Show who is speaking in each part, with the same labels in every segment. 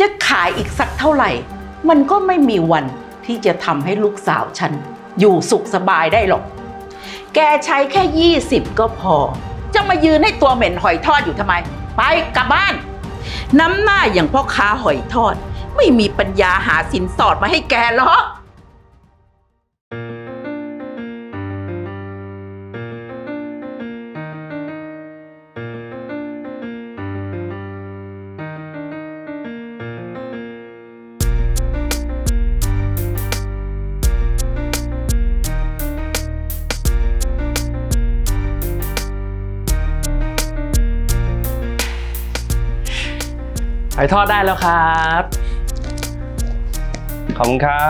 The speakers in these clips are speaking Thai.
Speaker 1: จะขายอีกสักเท่าไหร่มันก็ไม่มีวันที่จะทำให้ลูกสาวฉันอยู่สุขสบายได้หรอกแกใช้แค่20ก็พอจะมายืนให้ตัวเหม็นหอยทอดอยู่ทำไมไปกลับบ้านน้ำหน้าอย่างพ่อค้าหอยทอดไม่มีปัญญาหาสินสอดมาให้แกหรอก
Speaker 2: หอยทอดได้แล้วครับ ขอบคุณครับ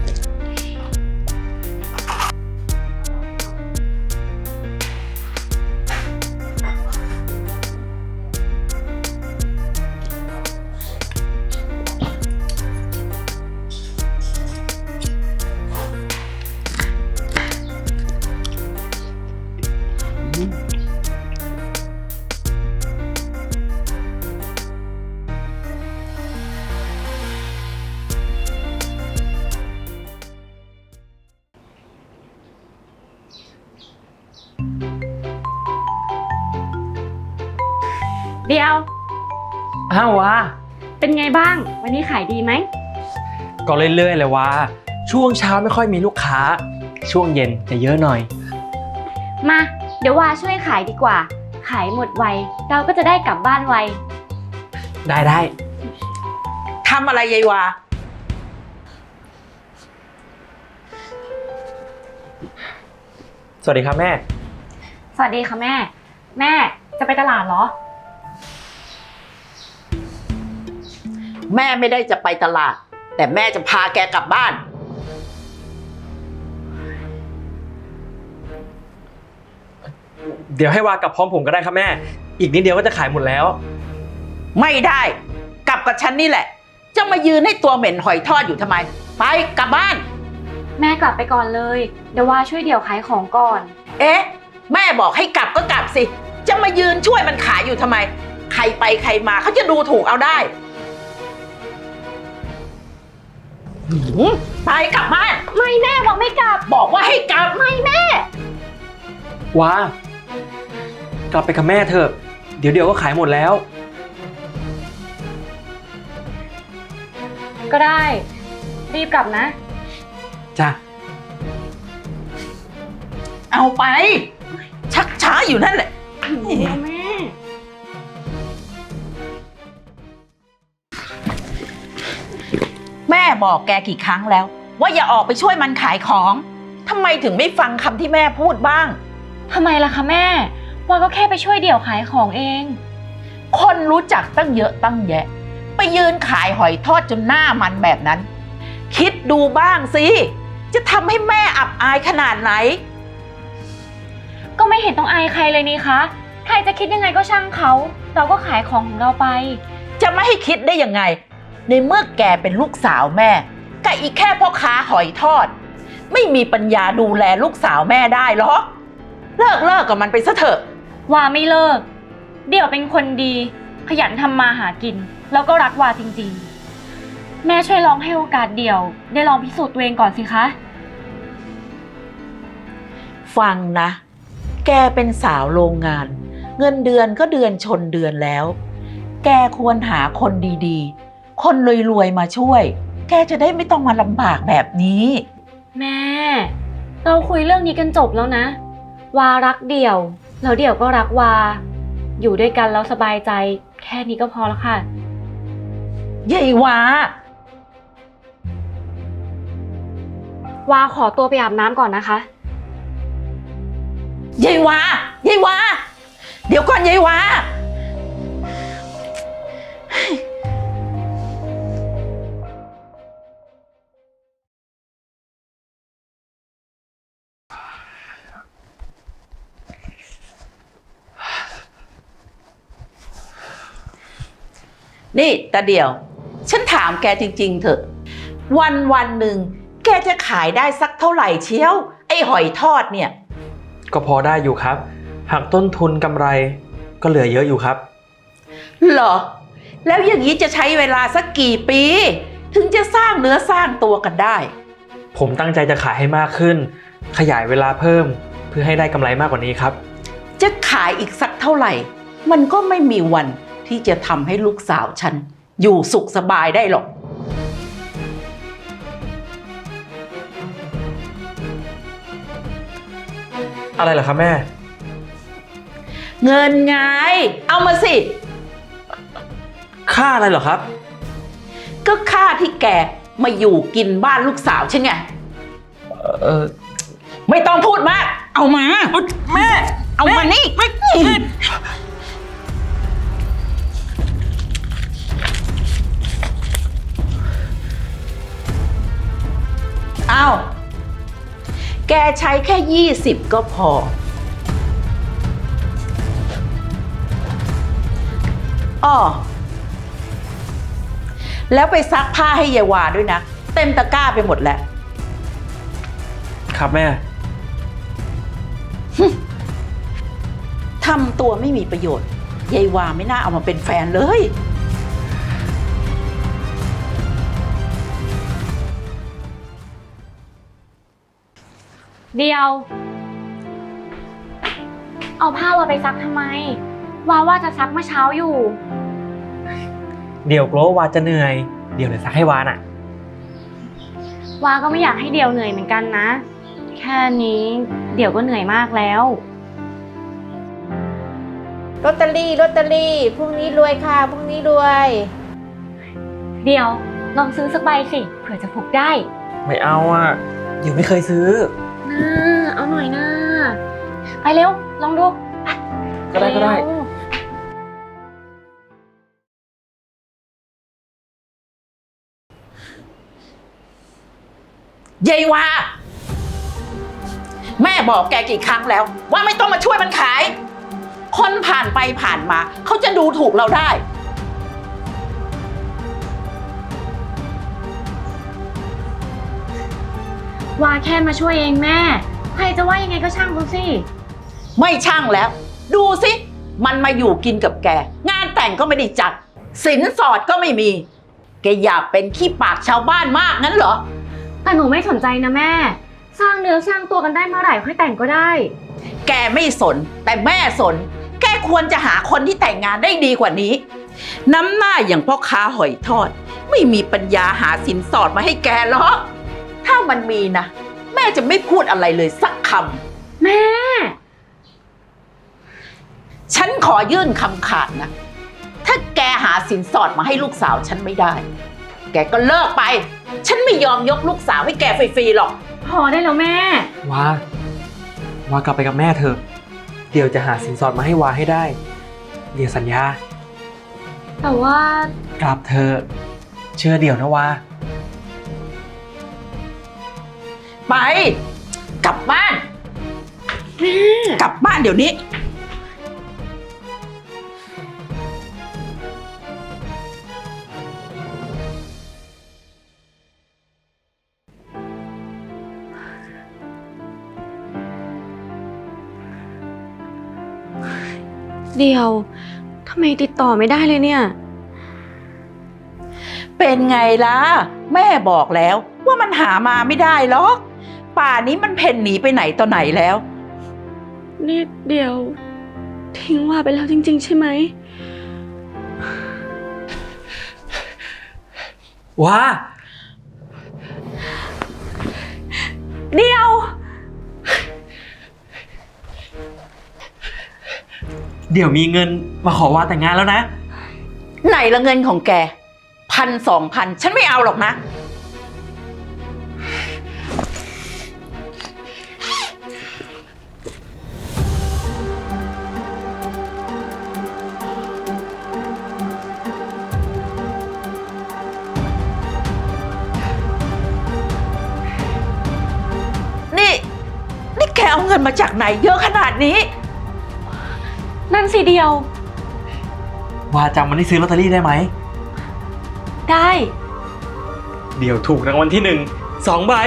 Speaker 3: เดียว
Speaker 2: อ้าววะ
Speaker 3: เป็นไงบ้างวันนี้ขายดีไหม
Speaker 2: ก็เรื่อยๆเลยวะช่วงเช้าไม่ค่อยมีลูกค้าช่วงเย็นจะเยอะหน่อย
Speaker 3: มาเดี๋ยววาช่วยขายดีกว่าขายหมดไวเราก็จะได้กลับบ้านไว
Speaker 2: ได้
Speaker 1: ทำอะไรยายวา
Speaker 2: สวัสดีครับแม่
Speaker 3: สวัสดีค่ะแม่แม่จะไปตลาดเหรอ
Speaker 1: แม่ไม่ได้จะไปตลาดแต่แม่จะพาแกกลับบ้าน
Speaker 2: เดี๋ยวให้วากลับพร้อมผมก็ได้ครับแม่อีกนิดเดียวก็จะขายหมดแล้ว
Speaker 1: ไม่ได้กลับกับฉันนี่แหละจะมายืนให้ตัวเหม็นหอยทอดอยู่ทำไมไปกลับบ้าน
Speaker 3: แม่กลับไปก่อนเลยเดี๋ยววาช่วยเดี่ยวขายของก่อน
Speaker 1: เอ๊ะแม่บอกให้กลับก็กลับสิจะมายืนช่วยมันขายอยู่ทำไมใครไปใครมาเขาจะดูถูกเอาได้ไปกลับบ้าน
Speaker 3: ไม่แม่บอกไม่กลับ
Speaker 1: บอกว่าให้กลับ
Speaker 3: ไม่แม่
Speaker 2: ว้ากลับไปกับแม่เถอะเดี๋ยวก็ขายหมดแล้ว
Speaker 3: ก็ได้รีบกลับนะ
Speaker 2: จ้ะ
Speaker 1: เอาไปชักช้าอยู่นั่นแหละ
Speaker 3: แม่
Speaker 1: แม่บอกแกกี่ครั้งแล้วว่าอย่าออกไปช่วยมันขายของทำไมถึงไม่ฟังคำที่แม่พูดบ้าง
Speaker 3: ทำไมล่ะคะแม่วาก็แค่ไปช่วยเดี่ยวขายของเอง
Speaker 1: คนรู้จักตั้งเยอะตั้งแยะไปยืนขายหอยทอดจนหน้ามันแบบนั้นคิดดูบ้างสิจะทำให้แม่อับอายขนาดไหน
Speaker 3: ก็ไม่เห็นต้องอายใครเลยนี่คะใครจะคิดยังไงก็ช่างเขาเราก็ขายของของเราไป
Speaker 1: จะไม่ให้คิดได้ยังไงในเมื่อแกเป็นลูกสาวแม่กับอีกแค่พ่อค้าหอยทอดไม่มีปัญญาดูแลลูกสาวแม่ได้หรอเลิกกับมันไปซะเถอะ
Speaker 3: วาไม่เลิกเดี่ยวเป็นคนดีขยันทำมาหากินแล้วก็รักวาจริงๆแม่ช่วยลองให้โอกาสเดี่ยวได้ลองพิสูจน์ตัวเองก่อนสิคะ
Speaker 1: ฟังนะแกเป็นสาวโรงงานเงินเดือนก็เดือนชนเดือนแล้วแกควรหาคนดีๆคนรวยๆมาช่วยแกจะได้ไม่ต้องมาลำบากแบบนี้
Speaker 3: แม่เราคุยเรื่องนี้กันจบแล้วนะวารักเดี่ยวแล้วเดี่ยวก็รักวาอยู่ด้วยกันแล้วสบายใจแค่นี้ก็พอแล้วค่ะ
Speaker 1: ยายว
Speaker 3: าวาขอตัวไปอาบน้ำก่อนนะคะ
Speaker 1: ยายวาเดี๋ยวก่อนยายวานี่ตาเดี่ยวฉันถามแกจริงๆเถอะวันหนึ่งแกจะขายได้สักเท่าไหร่เชียวไอ้หอยทอดเนี่ย
Speaker 2: ก็พอได้อยู่ครับหักต้นทุนกำไรก็เหลือเยอะอยู่ครับ
Speaker 1: เหรอแล้วอย่างนี้จะใช้เวลาสักกี่ปี ถึงจะสร้างเนื้อสร้างตัวกันได้
Speaker 2: ผมตั้งใจจะขายให้มากขึ้น ขยายเวลาเพิ่มเพื่อให้ได้กำไรมากกว่านี้ครับ
Speaker 1: จะขายอีกสักเท่าไหร่ มันก็ไม่มีวันที่จะทำให้ลูกสาวฉันอยู่สุขสบายได้หรอก
Speaker 2: อะไรเหรอครับแม่
Speaker 1: เงินไง เอามาสิ
Speaker 2: ค่าอะไรเหรอครับ
Speaker 1: ก็ค่าที่แกมาอยู่กินบ้านลูกสาวฉันไง
Speaker 2: เออ
Speaker 1: ไม่ต้องพูดมาก เอามา
Speaker 2: แม่
Speaker 1: เอามานี่เอาแกใช้แค่20ก็พออ้อแล้วไปซักผ้าให้ยายวาด้วยนะ เต็มตะกร้าไปหมดแล้ว
Speaker 2: ครับแม่
Speaker 1: ทำตัวไม่มีประโยชน์ยายวาไม่น่าเอามาเป็นแฟนเลย
Speaker 3: เดียว เอาผ้าวาไปซักทำไม ว่าจะซักเมื่อเช้าอยู่
Speaker 2: เดี๋ยวกลัววาจะเหนื่อย เดี๋ยวเลยซักให้วาน่ะ
Speaker 3: วาก็ไม่อยากให้เดียวเหนื่อยเหมือนกันนะ แค่นี้เดี๋ยวก็เหนื่อยมากแล้ว
Speaker 4: ลอตเตอรี่พรุ่งนี้รวยค่ะพรุ่งนี้รวย
Speaker 3: เดียวลองซื้อสักใบสิเผื่อจะพกได้
Speaker 2: ไม่เอาอ่ะ เดี๋ยวไม่เคยซื้อ
Speaker 3: เอาหน่อยนะไปเร็วลองดูไป
Speaker 2: ก็ได้
Speaker 3: เร็ว
Speaker 1: ยายวาแม่บอกแกกี่ครั้งแล้ว ว่าไม่ต้องมาช่วยมันขาย คนผ่านไปผ่านมาเขาจะดูถูกเราได้
Speaker 3: วาแค่มาช่วยเองแม่ ใครจะว่ายังไงก็ช่างเขาสิ
Speaker 1: ไม่ช่างแล้ว ดูสิ มันมาอยู่กินกับแก งานแต่งก็ไม่ได้จัด สินสอดก็ไม่มี แกอยากเป็นขี้ปากชาวบ้านมากงั้นเหรอ
Speaker 3: แต่หนูไม่สนใจนะแม่ สร้างเนื้อสร้างตัวกันได้เมื่อไหร่ค่อยแต่งก็ได้
Speaker 1: แกไม่สน แต่แม่สน แกควรจะหาคนที่แต่งงานได้ดีกว่านี้ น้ำหน้าอย่างพ่อค้าหอยทอด ไม่มีปัญญาหาสินสอดมาให้แกหรอกถ้ามันมีนะ แม่จะไม่พูดอะไรเลยสักคำ
Speaker 3: แม่
Speaker 1: ฉันขอยื่นคำขาดนะ ถ้าแกหาสินสอดมาให้ลูกสาวฉันไม่ได้ แกก็เลิกไป ฉันไม่ยอมยกลูกสาวให้แกฟรีๆหรอก
Speaker 3: พอได้แล้วแม่
Speaker 2: วากลับไปกับแม่เถอะ เดี๋ยวจะหาสินสอดมาให้วาให้ได้ เดี๋ยวสัญญา
Speaker 3: แต่ว่า
Speaker 2: กลับเถอะเชื่อเดี๋ยวนะวา
Speaker 1: ไป กลับบ้าน กลับบ้านเดี๋ยวนี้
Speaker 3: เดียวทำไมติดต่อไม่ได้เลยเนี่ย
Speaker 1: เป็นไงล่ะ แม่บอกแล้วว่ามันหามาไม่ได้หรอก ป่านี้มันเพ่นหนีไปไหนต่อไหนแล้ว
Speaker 3: นี่เดียวทิ้งว่าไปแล้วจริงๆใช่ไหม
Speaker 2: ว้า
Speaker 3: เดียว
Speaker 2: เดี๋ยวมีเงินมาขอวาแต่งงานแล้วนะ
Speaker 1: ไหนละเงินของแก1,000-2,000ฉันไม่เอาหรอกนะ นี่แกเอาเงินมาจากไหนเยอะขนาดนี้
Speaker 3: นั่นสิเดียว
Speaker 2: วาจำวันที่ซื้อลอตเตอรี่ได้ไหม
Speaker 3: ได้
Speaker 2: เดี๋ยวถูกรางวัลที่2 ใบ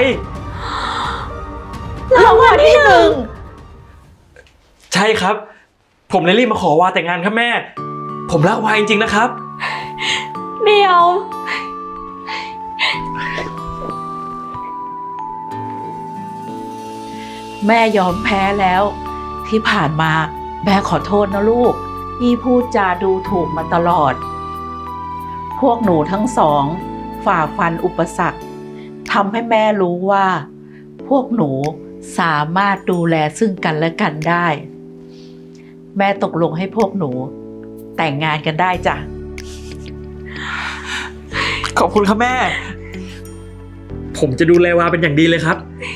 Speaker 1: รางวัลที่หนึ่ง
Speaker 2: ใช่ครับ ผมเลยรีบมาขอวาแต่งงานครับแม่ ผมรักวาจริงๆนะครับ
Speaker 3: เดี๋ยว
Speaker 1: แม่ยอมแพ้แล้ว ที่ผ่านมาแม่ขอโทษนะลูกที่พูดจาดูถูกมาตลอด พวกหนูทั้งสองฝ่าฟันอุปสรรคทำให้แม่รู้ว่า พวกหนูสามารถดูแลซึ่งกันและกันได้ แม่ตกลงให้พวกหนูแต่งงานกันได้จ้ะ
Speaker 2: ขอบคุณครับแม่ ผมจะดูแลวาเป็นอย่างดีเลยครับ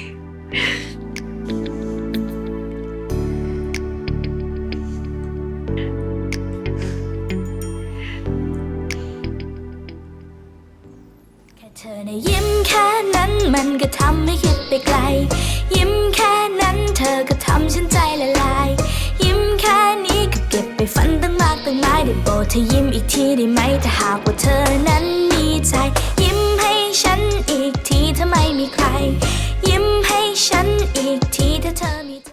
Speaker 5: แค่เธอในะยิ้มแค่นั้นมันก็ทำให้คิดไปไกล ยิ้มแค่นั้นเธอก็ทำฉันใจละลาย ยิ้มแค่นี้ก็เก็บไปฝันตั้งมากตั้งหลายได้โปรดเธอยิ้มอีกทีได้ไหมถ้าหากว่าเธอนั้นมีใจ ยิ้มให้ฉันอีกทีถ้าไม่มีใคร ยิ้มให้ฉันอีกทีถ้าเธอมีใจ